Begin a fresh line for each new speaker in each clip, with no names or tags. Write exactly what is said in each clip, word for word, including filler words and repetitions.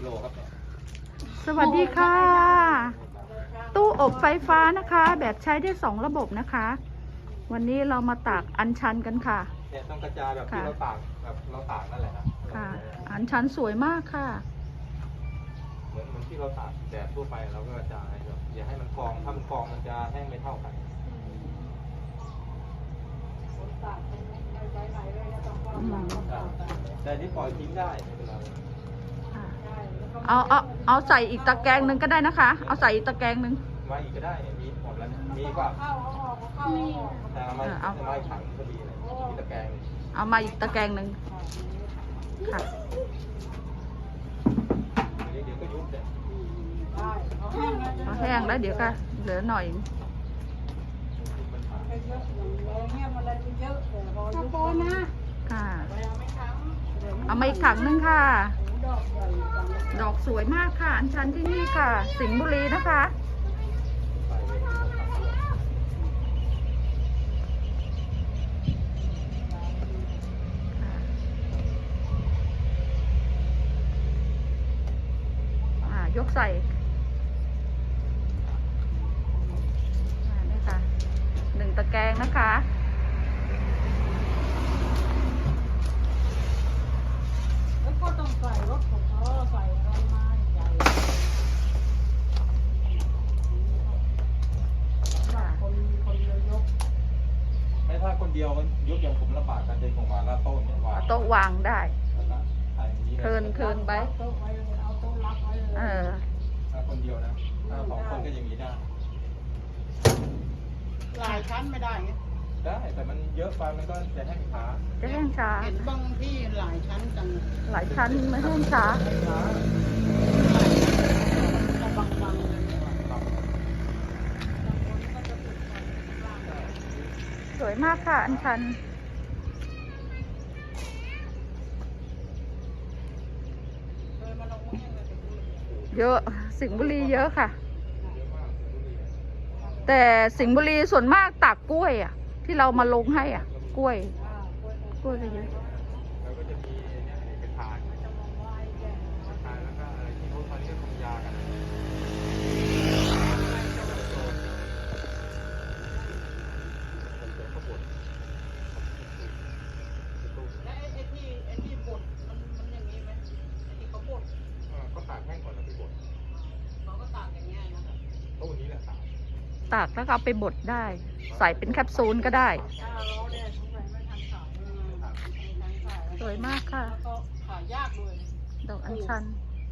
โลครับเนี่ย
สวัสดีค่ะ ตู้อบไฟฟ้านะคะ แบบใช้ได้สองระบบนะคะ วันนี้เรามาตากอัญชันกันค่ะ
เนี่ยต้องกระจายแบบที่เราตากแบบเราตากนั่นแหละนะ
ค่ะ อัญชันสวยมากค่ะ
เหมือนเหมือนที่เราตากแดดทั่วไปเราก็กระจายแบบอย่าให้มันกองถ้ามันกองมันจะแห้งไม่เท่ากันแต่นี่ปล่อยทิ้งได้ไม่เป็นไร
เอาเอาเอาใส่อีกตะแกรงหนึ่งก็ได้นะคะ เอาใส่อีกตะแกรงหนึ่ง
มาอีกก็ได้มีหมดแล้วมีกว่าแต่เอามาเอามาถังพอดีเลยมีตะแกรง
เอามาอีกตะแกรงหนึ่งค่ะ
เดี๋ยวก็ยุบเลย
เอาแห้งแล้วเดี๋ยวก็เหลือหน่อยค่ะเอามาอีกถังนึงค่ะดอกสวยมากค่ะอัญชันที่นี่ค่ะสิงห์บุรีนะคะยกใส่นี่ค่ะหนึ่งตะแกรงนะคะ
แล้วก็ต้องใส่รถของเขาใส่อะไรมาใหญ่คนคนเดียวยก
ไม่ถ้าคนเดียวยกอย่างผมลำบากการเดินของมาแล้วโต๊ะเนี่ยวาง
โต๊ะวางได้เทินเทินไปเออ
ถ้าคนเดียวนะถ้าสองคนก็อย่างนี้ได้
หลายชั้นไม่ได้ไง
ได้แต่มันเยอะไปมันก็จะแห้งช้า
จะแห้งช้า
เห็นบางที่หลายชั้นจัง
หลายชั้นไม่แห้งช้า
บางบางเลย
สวยมากค่ะอัญชันเยอะสิงห์บุรีเยอะค่ะแต่สิงห์บุรีส่วนมากตากกล้วยอ่ะที่เรามาลงให้อ่ะกล้วยกล้วยก็เยอะ
แล้วก็จะมีเนี่ยกระถางกระถางแล้วก็อะไรที่เขาเขาเรียกทำยากัน
และไอ้ที่ไอ้ที่บดมันมันอย่างนี้ไหมไอ้ที่เขาบด
ก็ตากแห้งก่อนแล้วไปบด
เขาก็ตากอย่างเงี้ยนะครับ
ก็วันนี้แหละตาก
ตากแล้วก็เอาไปบดได้ใส่เป็นแคปซูลก็ได้สวยมากค่ะ
ขายยากด้วย
ดอกอัญชัน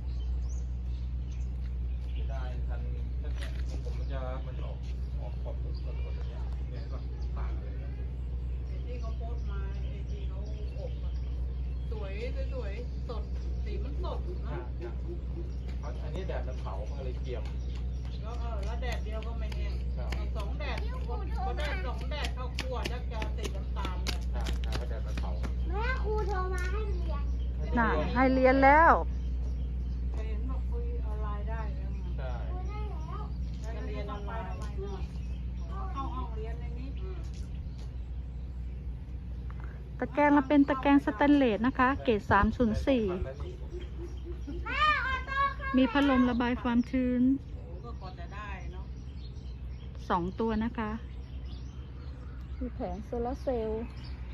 ได้ทันผมมันจะมันจะออกออกขอบสดๆแบบนี้เนี่ยก็ตากอะไรเนี่ย
ที่เขาโพสมาไอ้ที่เขาอบสวยสวยสดสีมันสดนะ
เพราะอันนี้แดดมันเผามันเลยเกรียม
แล้วเออแล้วแดดเดียวก็ไม่แห้งสองแดดก็แดดสองแดดเข้าคั่วจะจะสีน้ำตาลเลย
ใช่ใช่แดดมันเผา
แม่ครูโทรมาให้เรียน
น่ะให้เรียนแล้ว
เห็นบอกคุยออนไลน์ได้
ใช่
เรียนออนไลน์เข้าห้องเรียนในนี้
ตะแกรงเราเป็นตะแกรงสแตนเลสนะคะเกรดสามศูนย์สี่มีพัดลมระบายความชื้นสองตัวนะคะมีแผงโซลาร์เซลล์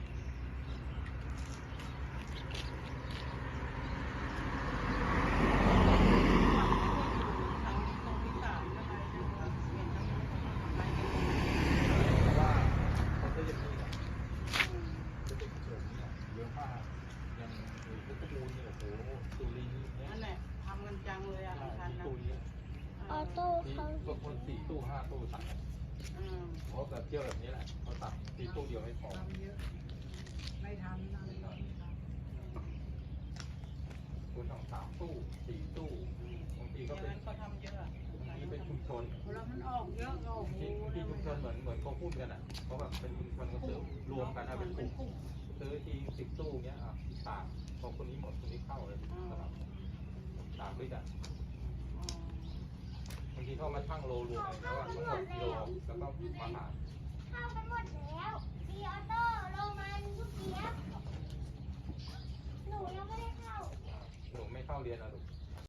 ทำกันจังเลยอ่ะทันนะ
ออโต้เขา
บางคนสี่ตู้ห้าตู้ตัดเพราะแบบเที่ยวแบบนี้แหละเขาตัดตีตู้เดียวไม่พอ
ไม่ทำนะ
คุณต้องสามตู้สี่ตู้บางทีก็เป็น
เขาทำเยอะ
บางทีเป็นชุมชน
แล้วมันออกเยอะก็
ที่ที่ชุมชนเหมือนเหมือนเขาพูดกันอ่ะเขาแบบเป็นชุมชนก็ซื้อรวมกันเป็นกลุ่มซื้อทีสิบตู้เงี้ยอ่ะต่างพอคนนี้หมดคนนี้เข้าเลยสลับต่างด้วยกันบางทีเข้ามาชั่งโลรวมแล้วว่าทั้งหมดกิโลแล้วก็มาหา
เข้าไปหมดแล้วมีออโต้โรมันทุกเกียร์หนูยังไม่ได้เข้า
หนูไม่เข้าเรียนอ่ะลูก